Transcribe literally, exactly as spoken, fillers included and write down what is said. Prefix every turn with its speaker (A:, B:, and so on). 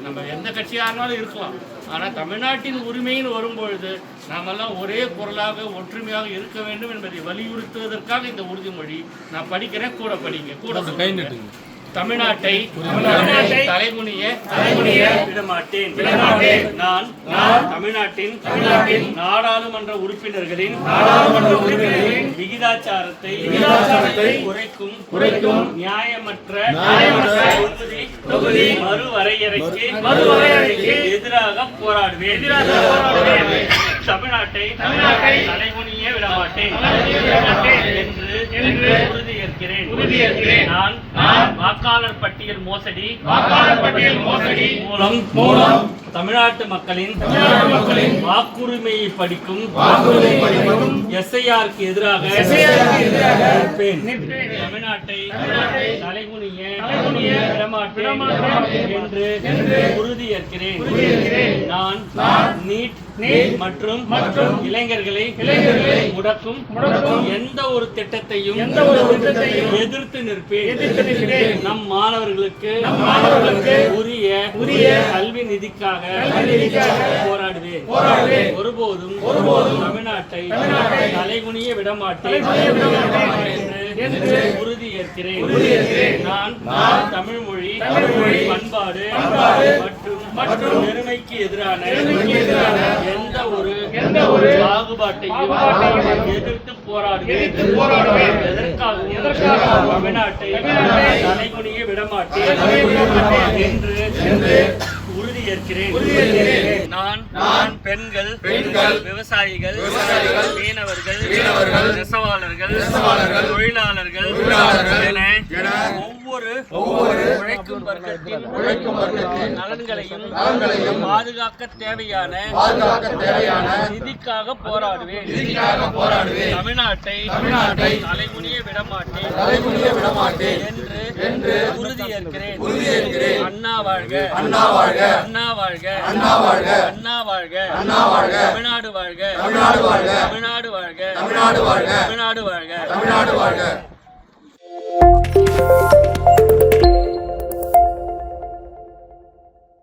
A: நம்ம எந்த கட்சியாக இருந்தாலும் இருக்கலாம். ஆனால் தமிழ்நாட்டின் உரிமைன்னு வரும்பொழுது நாமெல்லாம் ஒரே குரலாக ஒற்றுமையாக இருக்க வேண்டும் என்பதை வலியுறுத்துவதற்காக இந்த உறுதிமொழி நான் படிக்கிறேன். கூட படிங்க, கூட தமிழ்நாட்டை தலைகுனிய விடமாட்டேன். நான் தமிழ்நாட்டின் நாடாளுமன்ற உறுப்பினர்களின் விகிதாச்சாரத்தை குறைக்கும் குறைக்கும் நியாயமற்ற தொகுதி மறுவரையறைக்கு எதிராக போராடுவேன். தமிழ்நாட்டை தலைகுனிய விடமாட்டேன் என்று உறுதியேற்கிறேன். நான் வாக்காளர் பட்டியல் மோசடி மூலம் மூலம் தமிழ்நாட்டு மக்களின் வாக்குரிமையை படிக்கும் எஸ்ஐஆருக்கு எதிராக தமிழ்நாட்டை தலைகுனிய விடமாட்டேன் என்று உறுதியேற்கிறேன். நான் நீட் மற்றும் மற்றும் இளைஞர்களை முடக்கும் எந்த ஒரு திட்டத்தையும் எதிர்த்து நிற்பேன். நம் மாணவர்களுக்கு உரிய உரிய கல்வி நிதிக்காக போராடுவேன். ஒருபோதும் தமிழ்நாட்டை தலைகுனிய விடமாட்டேன் என்று உறுதியேற்கிறேன். நான் தமிழ் மொழி பண்பாடு மற்றும் பெருமைக்கு எதிரான எந்த ஒரு எந்த ஒரு பாகுபாட்டையும் எதிர்த்து போராடுவேன். எதற்காக தமிழ்நாட்டை தலைகுனிய விடமாட்டேன் என்று உறுதியேற்கிறேன். நான் நான் பெண்கள் பெண்கள் விவசாயிகள் மீனவர்கள் நெசவாளர்கள் தொழிலாளர்கள் என ஒவ்வொரு ஒவ்வொரு உழைக்கும் வர்க்கத்தின் உழைக்கும் வர்க்கத்தின் நலன்களையும் பாதுகாக்க தேவையான நிதிக்காக போராடுவேன். தமிழ்நாட்டை தமிழ்நாட்டை தலைகுனிய விடமாட்டேன் தலைகுனிய விடமாட்டேன் என்று என்று உறுதியேற்கிறேன். அண்ணா வாழ்க அண்ணா வாழ்க அண்ணா வாழ்க அண்ணா வாழ்க அண்ணா வாழ்க அண்ணா வாழ்க தமிழ்நாடு வாழ்க தமிழ்நாடு வாழ்க தமிழ்நாடு வாழ்க தமிழ்நாடு வாழ்க தமிழ்நாடு வாழ்க தமிழ்நாடு வாழ்க.